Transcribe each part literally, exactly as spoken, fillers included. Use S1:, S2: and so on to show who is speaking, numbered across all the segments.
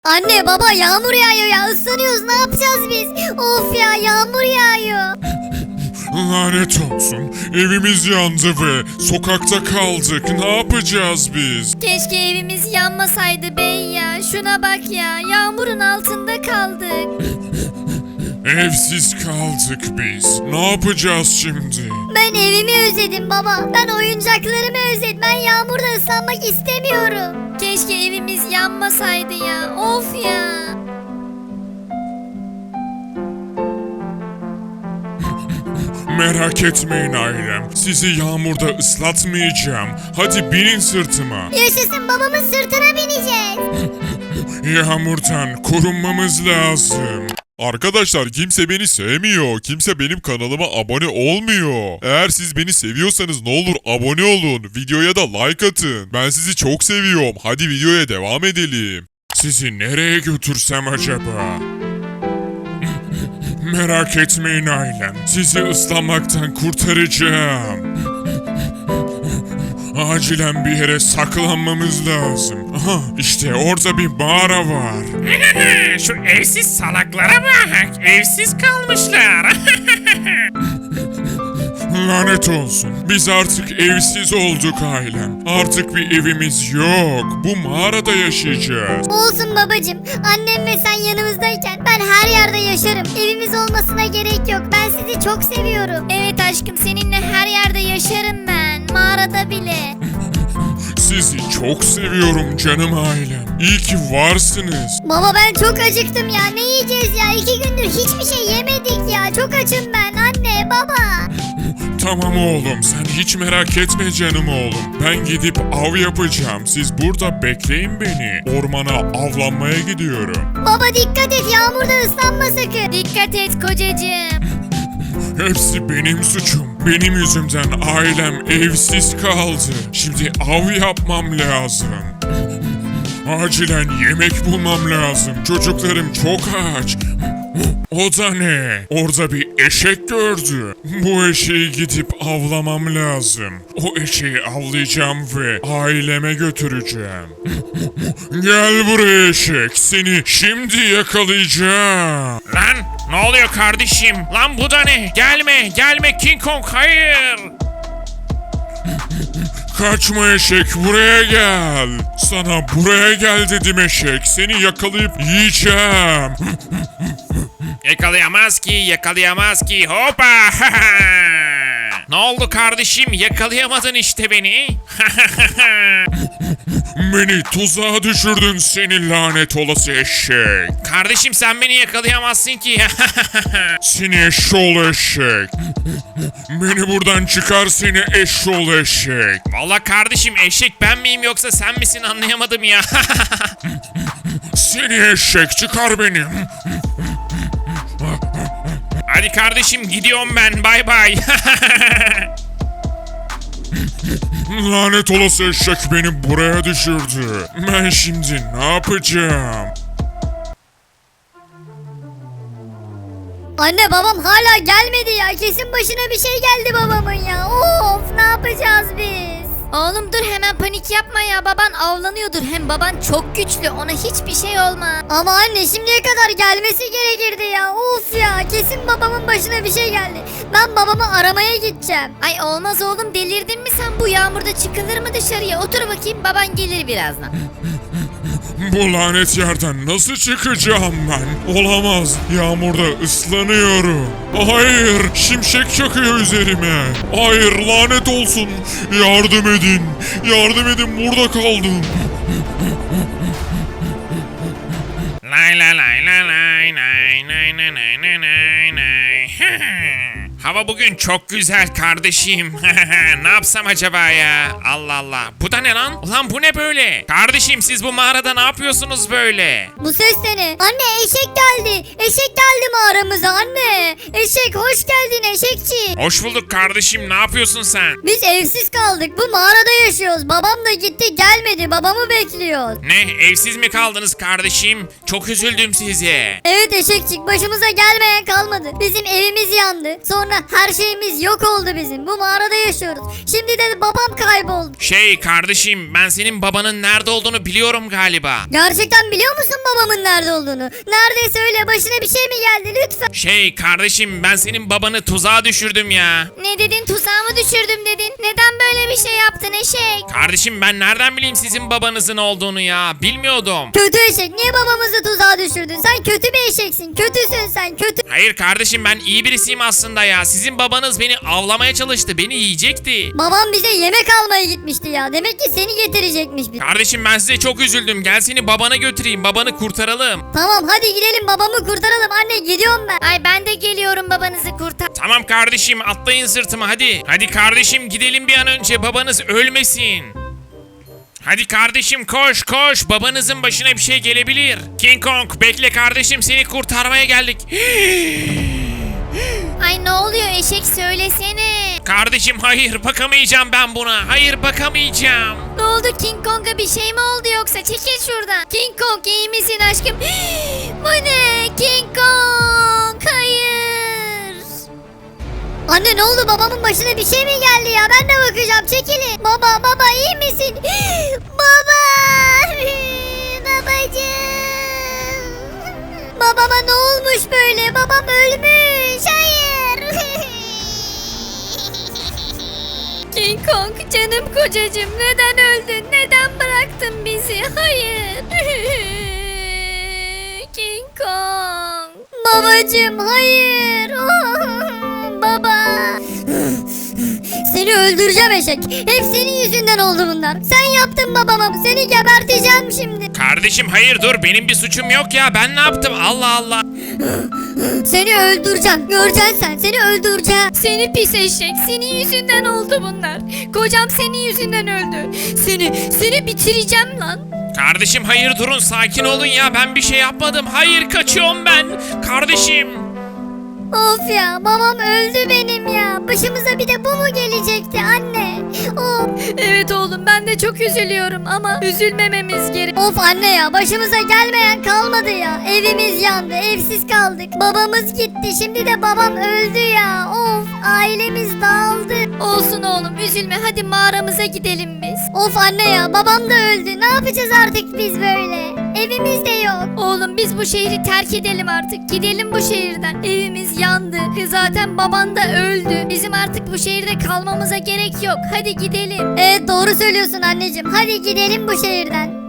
S1: Anne baba yağmur yağıyor ya, ıslanıyoruz, ne yapacağız biz? Of ya, yağmur yağıyor.
S2: Lanet olsun. Evimiz yandı ve sokakta kaldık. Ne yapacağız biz?
S1: Keşke evimiz yanmasaydı bey ya. Şuna bak ya, yağmurun altında kaldık.
S2: Evsiz kaldık biz. Ne yapacağız şimdi?
S1: Ben evimi özledim baba. Ben oyuncaklarımı özledim. Ben yağmurda ıslanmak istemiyorum. Keşke evimiz yanmasaydı ya. Of ya.
S2: Merak etmeyin ailem. Sizi yağmurda ıslatmayacağım. Hadi binin sırtıma.
S1: Yaşasın, babamın sırtına bineceğiz.
S2: Yağmurdan korunmamız lazım. Arkadaşlar kimse beni sevmiyor. Kimse benim kanalıma abone olmuyor. Eğer siz beni seviyorsanız ne olur abone olun. Videoya da like atın. Ben sizi çok seviyorum. Hadi videoya devam edelim. Sizi nereye götürsem acaba? Merak etmeyin ailem. Sizi ıslanmaktan kurtaracağım. Acilen bir yere saklanmamız lazım. Aha, işte orada bir mağara var.
S3: Şu evsiz salaklara bak. Evsiz kalmışlar.
S2: Lanet olsun. Biz artık evsiz olduk ailem. Artık bir evimiz yok. Bu mağarada yaşayacağız.
S1: Olsun babacım. Annem ve sen yanımızdayken ben her yerde yaşarım. Evimiz olmasına gerek yok. Ben sizi çok seviyorum. Evet aşkım, seninle her yerde yaşarım ben. Mağarada bile.
S2: Sizi çok seviyorum canım ailem. İyi ki varsınız.
S1: Baba ben çok acıktım ya. Ne yiyeceğiz ya? İki gündür hiçbir şey yemedik ya. Çok açım ben. Anne, baba.
S2: Tamam oğlum, sen hiç merak etme canım oğlum. Ben gidip av yapacağım. Siz burada bekleyin beni. Ormana avlanmaya gidiyorum.
S1: Baba dikkat et, yağmurda ıslanma sakın. Dikkat et kocacığım.
S2: Hepsi benim suçum. Benim yüzümden ailem evsiz kaldı. Şimdi av yapmam lazım. Acilen yemek bulmam lazım. Çocuklarım çok aç. O da ne? Orada bir eşek gördü. Bu eşeği gidip avlamam lazım. O eşeği avlayacağım ve aileme götüreceğim. Gel buraya eşek. Seni şimdi yakalayacağım.
S3: Lan ne oluyor kardeşim? Lan bu da ne? Gelme gelme King Kong, hayır.
S2: Kaçma eşek, buraya gel. Sana buraya gel dedim eşek. Seni yakalayıp yiyeceğim.
S3: Yakalayamaz ki, yakalayamaz ki. Hoppa. Ne oldu kardeşim? Yakalayamadın işte beni.
S2: Beni tuzağa düşürdün seni lanet olası eşek.
S3: Kardeşim sen beni yakalayamazsın ki.
S2: Seni eşşoğlu eşek. Beni buradan çıkar seni eşşoğlu eşek.
S3: Vallahi kardeşim, eşek ben miyim yoksa sen misin anlayamadım ya.
S2: Seni eşek, çıkar beni.
S3: Hadi kardeşim gidiyorum ben, bay bay.
S2: Lanet olası eşek beni buraya düşürdü. Ben şimdi ne yapacağım?
S1: Anne babam hala gelmedi ya. Kesin başına bir şey geldi babamın ya. Of, ne yapacağız biz? Oğlum dur, hemen panik yapma ya. Baban avlanıyordur. Hem baban çok güçlü. Ona hiçbir şey olmaz. Ama anne şimdiye kadar gelmesi gerekirdi ya. Of ya, kesin babamın başına bir şey geldi. Ben babamı aramaya gideceğim. Ay olmaz oğlum, delirdin mi sen? Bu yağmurda çıkılır mı dışarıya? Otur bakayım, baban gelir birazdan.
S2: Bu lanet yerden nasıl çıkacağım ben? Olamaz. Yağmurda ıslanıyorum. Hayır. Şimşek çakıyor üzerime. Hayır, lanet olsun. Yardım edin. Yardım edin, burada kaldım.
S3: Lay lay lay lay lay lay lay lay lay lay lay lay. Hava bugün çok güzel kardeşim. Ne yapsam acaba ya? Allah Allah. Bu da ne lan? Ulan bu ne böyle? Kardeşim siz bu mağarada ne yapıyorsunuz böyle?
S1: Bu ses de ne? Anne eşek geldi. Eşek geldi mağaramıza anne. Eşek hoş geldin eşekçi.
S3: Hoş bulduk kardeşim. Ne yapıyorsun sen?
S1: Biz evsiz kaldık. Bu mağarada yaşıyoruz. Babam da gitti, gelmedi. Babamı bekliyoruz.
S3: Ne? Evsiz mi kaldınız kardeşim? Çok üzüldüm size.
S1: Evet eşekçik, başımıza gelmeyen kalmadı. Bizim evimiz yandı. Sonra her şeyimiz yok oldu bizim. Bu mağarada yaşıyoruz. Şimdi de babam kayboldu.
S3: Şey kardeşim ben senin babanın nerede olduğunu biliyorum galiba.
S1: Gerçekten biliyor musun babamın nerede olduğunu? Neredeyse öyle başına bir şey mi geldi lütfen?
S3: Şey kardeşim ben senin babanı tuzağa düşürdüm ya.
S1: Ne dedin, tuzağa mı düşürdüm dedin? Neden böyle bir şey yaptın eşek?
S3: Kardeşim ben nereden bileyim sizin babanızın olduğunu ya bilmiyordum.
S1: Kötü eşek, niye babamızı tuzağa düşürdün? Sen kötü bir eşeksin, kötüsün sen, kötü.
S3: Hayır kardeşim ben iyi birisiyim aslında ya. Sizin babanız beni avlamaya çalıştı. Beni yiyecekti.
S1: Babam bize yemek almaya gitmişti ya. Demek ki seni getirecekmiş bir.
S3: Kardeşim ben size çok üzüldüm. Gel seni babana götüreyim. Babanı kurtaralım.
S1: Tamam hadi gidelim babamı kurtaralım. Anne gidiyorum ben. Ay ben de geliyorum babanızı kurtar.
S3: Tamam kardeşim atlayın sırtıma hadi. Hadi kardeşim gidelim bir an önce babanız ölmesin. Hadi kardeşim koş koş babanızın başına bir şey gelebilir. King Kong bekle kardeşim seni kurtarmaya geldik.
S1: Ay ne oluyor eşek söylesene.
S3: Kardeşim hayır bakamayacağım ben buna. Hayır bakamayacağım.
S1: Ne oldu King Kong'a bir şey mi oldu yoksa? Çekil şuradan. King Kong iyi misin aşkım? Bu ne? King Kong hayır. Anne ne oldu babamın başına bir şey mi geldi ya? Ben de bakacağım çekilin. Baba baba iyi misin? Baba. Babacığım. Babama ne olmuş böyle? Babam ölmüş. Hayır. King Kong canım kocacığım neden öldün? Neden bıraktın bizi? Hayır. King Kong. Babacığım hayır. Oh, baba. Seni öldüreceğim eşek. Hep senin yüzünden oldu bunlar. Sen yaptın babama. Seni geberteceğim şimdi.
S3: Kardeşim hayır dur benim bir suçum yok ya ben ne yaptım Allah Allah.
S1: Seni öldüreceğim. Göreceksin sen. Seni öldüreceğim. Seni pis eşek. Senin yüzünden oldu bunlar. Kocam senin yüzünden öldü. Seni, seni bitireceğim lan.
S3: Kardeşim hayır durun sakin olun ya ben bir şey yapmadım. Hayır kaçıyorum ben. Kardeşim.
S1: Of ya babam öldü benim ya. Başımıza bir de bu mu gelecekti anne? Of. Evet oğlum ben de çok üzülüyorum ama üzülmememiz gerek. Of anne ya başımıza gelmeyen kalmadı ya. Evimiz yandı, evsiz kaldık. Babamız gitti, şimdi de babam öldü ya. Of ailemiz dağıldı. Olsun oğlum üzülme hadi mağaramıza gidelim biz. Of anne ya babam da öldü. Ne yapacağız artık biz böyle? Evimiz de yok. Oğlum biz bu şehri terk edelim artık. Gidelim bu şehirden. Evimiz yandı. Zaten baban da öldü. Bizim artık bu şehirde kalmamıza gerek yok. Hadi gidelim. Evet doğru söylüyorsun anneciğim. Hadi gidelim bu şehirden.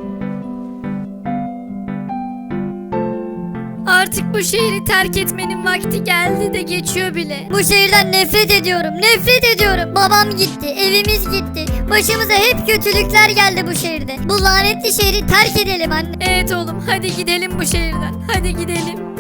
S1: Artık bu şehri terk etmenin vakti geldi de geçiyor bile. Bu şehirden nefret ediyorum. Nefret ediyorum. Babam gitti. Evimiz gitti. Başımıza hep kötülükler geldi bu şehirde. Bu lanetli şehri terk edelim anne. Evet oğlum hadi gidelim bu şehirden. Hadi gidelim.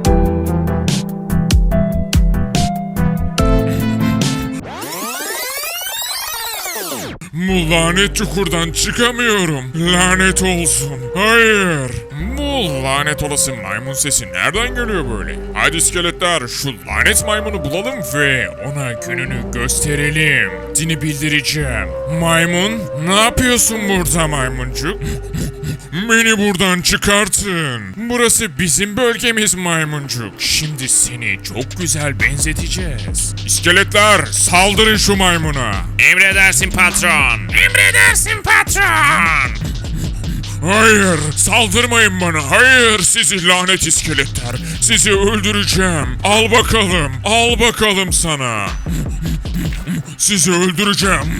S2: Bu lanet çukurdan çıkamıyorum. Lanet olsun. Hayır. Bu lanet olası maymun sesi nereden geliyor böyle? Hadi iskeletler şu lanet maymunu bulalım ve ona gününü gösterelim. Dini bildireceğim. Maymun ne yapıyorsun burada maymuncuk? Beni buradan çıkartın. Burası bizim bölgemiz maymuncuk. Şimdi seni çok güzel benzeteceğiz. İskeletler saldırın şu maymuna.
S3: Emredersin patron. Emredersin patron.
S2: Hayır, saldırmayın bana. Hayır, sizi lanet iskeletler. Sizi öldüreceğim. Al bakalım, al bakalım sana. Sizi öldüreceğim.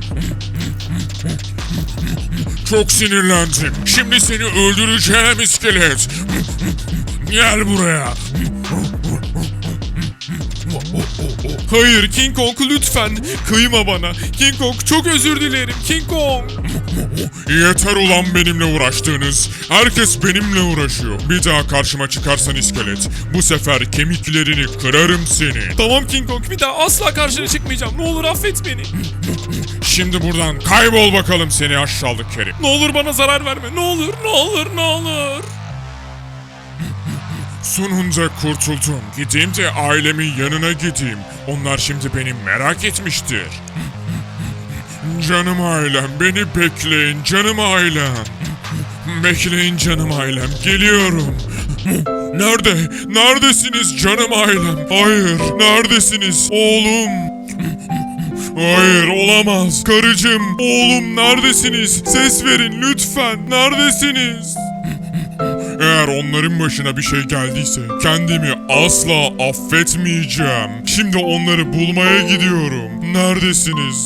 S2: Çok sinirlendim. Şimdi seni öldüreceğim iskelet. Gel buraya.
S4: Hayır King Kong lütfen kıyma bana. King Kong çok özür dilerim King Kong.
S2: Yeter ulan benimle uğraştığınız. Herkes benimle uğraşıyor. Bir daha karşıma çıkarsan iskelet, bu sefer kemiklerini kırarım seni.
S4: Tamam King Kong bir daha asla karşına çıkmayacağım. Ne olur affet beni.
S2: Şimdi buradan kaybol bakalım seni aşağılık Kerim.
S4: Ne olur bana zarar verme. Ne olur ne olur ne olur.
S2: Sonunda kurtuldum. Gideyim de ailemin yanına gideyim. Onlar şimdi beni merak etmiştir. Canım ailem, beni bekleyin canım ailem. Bekleyin canım ailem, geliyorum. Nerede? Neredesiniz canım ailem? Hayır, neredesiniz? Oğlum. Hayır, olamaz. Karıcığım, oğlum neredesiniz? Ses verin lütfen. Neredesiniz? Eğer onların başına bir şey geldiyse kendimi asla affetmeyeceğim. Şimdi onları bulmaya gidiyorum. Neredesiniz?